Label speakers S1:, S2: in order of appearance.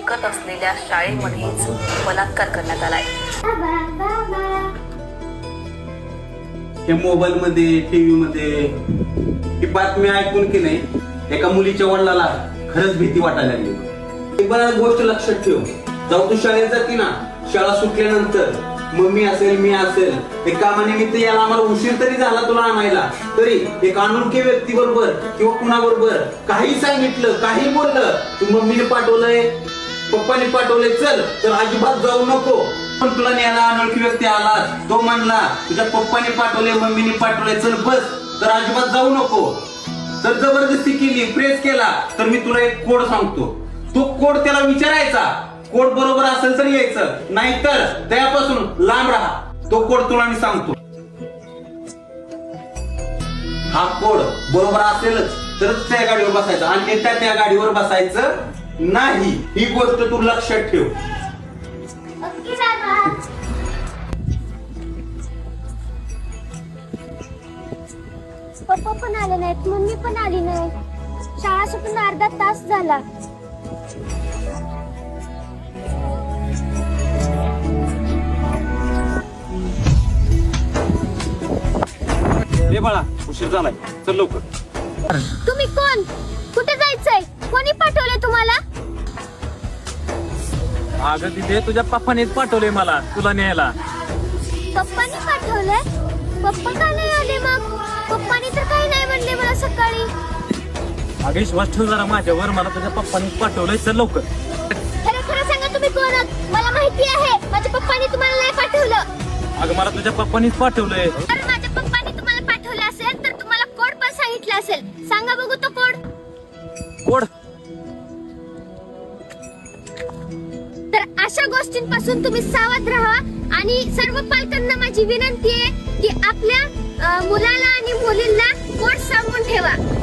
S1: शिकत असलेल्या शाळेमध्येच बलात्कार करण्यात आलाय.
S2: हे मोबाईल मध्ये टीव्ही मध्ये ही बातमी ऐकून की नाही एका मुलीच्या वडिलाला खरंच भीती वाटायला लागली. एक बरं गोष्ट लक्षात ठेव, जाऊ तू शाळेत जाते ना, शाळा सुटल्यानंतर मम्मी असेल मी असेल एक कामानिमित्त याला आम्हाला उशीर जरी झाला तुला आणायला, तरी एक अनोळखी व्यक्ती बरोबर किंवा कुणाबरोबर काही सांगितलं काही बोललं, तू मम्मीने पाठवलंय पप्पाने पाठवलंय चल, तर अजिबात जाऊ नको. पण तुला न्यायला अनोळखी व्यक्ती आला, तो म्हणला तुझ्या पप्पाने पाठवलंय मम्मीने पाठवलंय चल बस, तर अजिबात जाऊ नको. तर जबरदस्ती केली प्रेस केला तर मी तुला एक कोड सांगतो, तो कोड त्याला विचारायचा, कोड बरोबर असेल तर यायचं, नाहीतर त्यापासून लांब राहा. तो कोड तुला मी सांगतो, हा कोड बरोबर असेलच तरच त्या गाडीवर बसायचं, आणि त्या गाडीवर बसायचं नाही. ही गोष्ट तू लक्षात ठेव.
S3: पप्पा पण आले नाहीत, मम्मी पण आली नाही, शाळा सुटून अर्धा तास झाला.
S2: हे बाळा उशीर झालाय, चल लवकर.
S3: तुम्ही कोण, कुठे जायचंय, कोणी पाठवले तुम्हाला?
S4: अगं तिथे तुझ्या पप्पानेच पाठवले मला तुला न्यायला.
S3: पप्पानी पाठवलंय? पप्पा का नाही आले मग? पप्पानी तर काही नाही म्हणले मला सकाळी.
S4: अगं विश्वास ठेव जरा माझ्यावर, मला तुझ्या पप्पानेच पाठवलंय, चल लवकर.
S3: खरं खरं सांगा तुम्ही कोण आहात? मला माहिती आहे माझ्या पप्पानी तुम्हाला नाही पाठवलं.
S4: अगं मला तुझ्या पप्पानेच पाठवलंय.
S3: अरे माझ्या पप्पानी तुम्हाला पाठवलं असेल तर तुम्हाला कोड पण सांगितलं असेल, सांगा बघू तो कोड.
S4: कोड?
S3: तर अशा गोष्टींपासून तुम्ही सावध राहा, आणि सर्व पालकांना माझी विनंती आहे की आपल्या मुलाला आणि मुलींना कोड सांगून ठेवा.